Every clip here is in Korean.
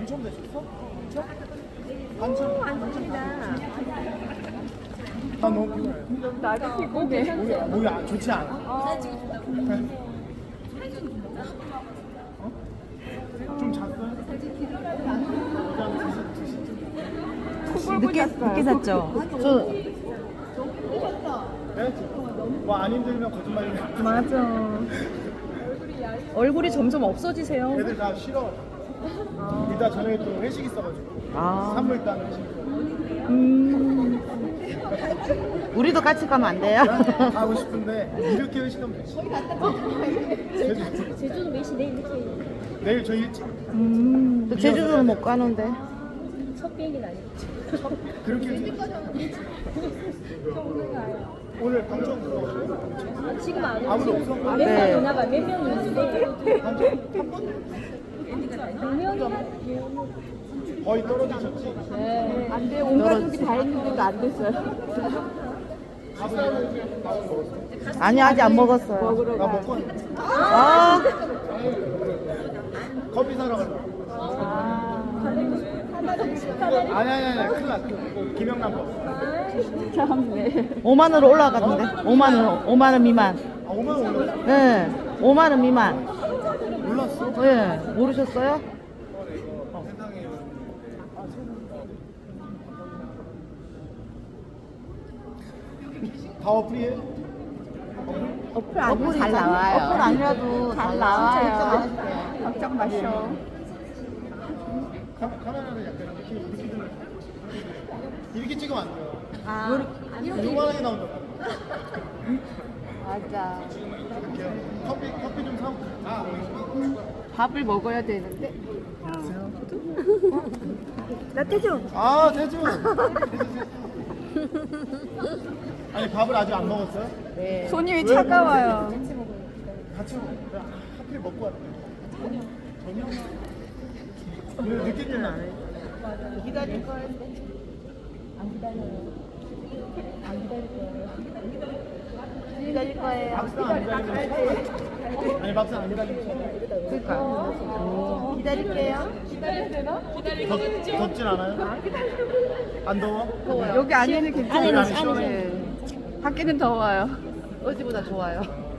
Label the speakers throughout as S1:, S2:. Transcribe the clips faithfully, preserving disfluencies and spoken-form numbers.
S1: 당첨되셨어? 당첨?
S2: 안습니다.
S1: 아 너무 피곤해.
S2: 나도 피곤해.
S1: 뭐야, 뭐야 좋지 않아.
S2: 어.
S1: 어? 좀 잤어요?
S3: 늦게, 늦게 잤죠? 저
S1: 네? 뭐안 힘들면 거짓말이야.
S3: 맞아. 얼굴이 점점 없어지세요.
S1: 애들 다 싫어. 이따 저녁에 또 회식 있어가지고
S3: 아.
S1: 산물 따는 회식.
S3: 음. 우리도 같이 가면 안 돼요?
S1: 가고 싶은데 이렇게 회식하면 되지. 제주.
S2: 제주도 몇 시 내일 이렇게
S1: 내일 저 일찍.
S3: 음. 또 제주도는 못 가는데.
S2: 첫 비행기는 아니겠지.
S1: 그렇게 일찍. 오늘 방청 그거
S2: 아, 지금 안
S1: 아무도
S2: 오지?
S1: 없어?
S2: 몇
S3: 네.
S2: 명 오나 봐. 몇 명 있는데.
S1: 방청 한 번?
S2: 백 명이나?
S1: 거의 떨어지셨지?
S2: 네.
S3: 안 돼. 온 가족이 다 했는데도 안 됐어요.
S1: 밥은 밥은 먹었어.
S3: 아니, 아직 안 먹었어요.
S1: 나 먹고 왔는데.
S3: 아.
S1: 커피 사러 가려고. 아니 아니 아니 큰일 나 큰일 나. 김영남 거.
S3: 참네. 오만 원으로 올라갔는데. 오만 원, 오만 원 미만.
S1: 아 오만 원 올랐어?
S3: 네. 오만 원 미만.
S1: 몰랐어?
S3: 네. 모르셨어요?
S1: 세상에. 다 어플이에요?
S3: 어플 아니면 잘 나와요. 어플 아니라도 잘 나와요. 걱정 마셔.
S1: 카, 카메라를 약간 이렇게 이렇게 들면 이렇게 찍으면 안 돼요.
S3: 아.
S1: 요만하게 나온다.
S3: 맞아.
S1: 이렇게요. 커피 커피 좀 사고. 아
S3: 밥을 먹어야 되는데.
S2: 나 태주.
S1: 아 대주. 아니 밥을 아직 안 먹었어요?
S3: 네.
S2: 손님이
S1: 왜?
S2: 차가워요.
S1: 같이 먹어요. 하필 먹고 왔네. 저녁. 왜 늦게 끝나네?
S3: 기다릴 거였는데.
S2: 안 기다려요. 안 기다릴 거예요.
S3: 기다릴 거예요.
S1: 막상 안 기다리면 아니 막상 안 기다리면
S3: 그러니까. 기다릴게요.
S1: 덥, 덥진 않아요? 안 더워?
S3: 여기 안에는 괜찮아요.
S1: 안에는 시원해.
S3: 밖에는 더워요. 어제보다 좋아요.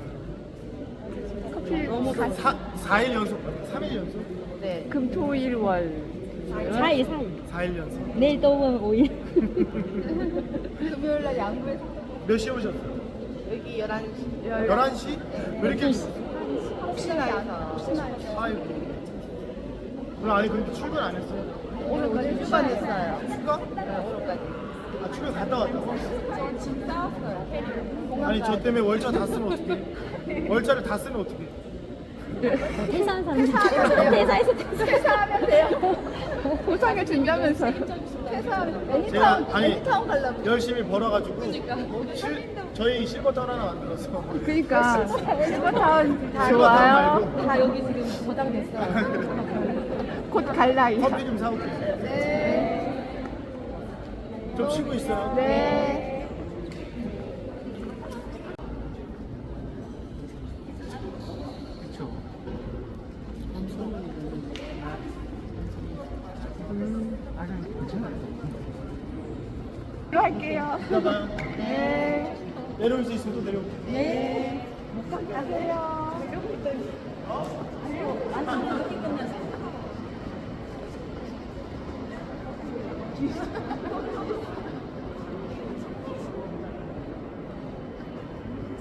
S3: 커피 너무 가.
S1: 사, 사 일 연속? 삼 일 연속?
S3: 네. 금토일 월.
S2: 사 일, 사 일.
S1: 사 일 연속?
S2: 내일 또 오면 오 일.
S3: 금요일 날 양구에서
S1: 몇 시에 오셨어요?
S3: 여기 열한 시.
S1: 열한 시? 왜 이렇게
S3: 혹시나 해서.
S1: 아이고 오늘 아니 근데 출근 안 했어요?
S3: 오늘까지 출발했어요.
S1: 휴가?
S3: 네, 오늘까지.
S1: 아 출근 갔다 왔다고? 아니 저 때문에 월차 다 쓰면 어떡해 월차를 다 쓰면 어떡해
S2: 회사한 사람. 회사에서
S3: 퇴사하면 돼요. 보상을 준다면서. 퇴사하면
S1: 제가 아니
S3: 애니타운 가려고.
S1: 열심히 벌어가지고 실, 저희 실버타운 하나 만들었어
S3: 그러니까 실버타운 다
S1: 실버타운
S3: 좋아요.
S1: 말고.
S2: 다 여기 지금 보장됐어요.
S3: 곧 갈 나이.
S1: 커피 좀 사올게
S3: 네.
S1: 좀 쉬고 있어요
S3: 네.
S1: 그쵸 아니 괜찮아요
S3: 할게요.
S1: 이따 봐요
S3: 네.
S1: 내려올 수 있으면 또 내려올게요
S3: 네. 가세요.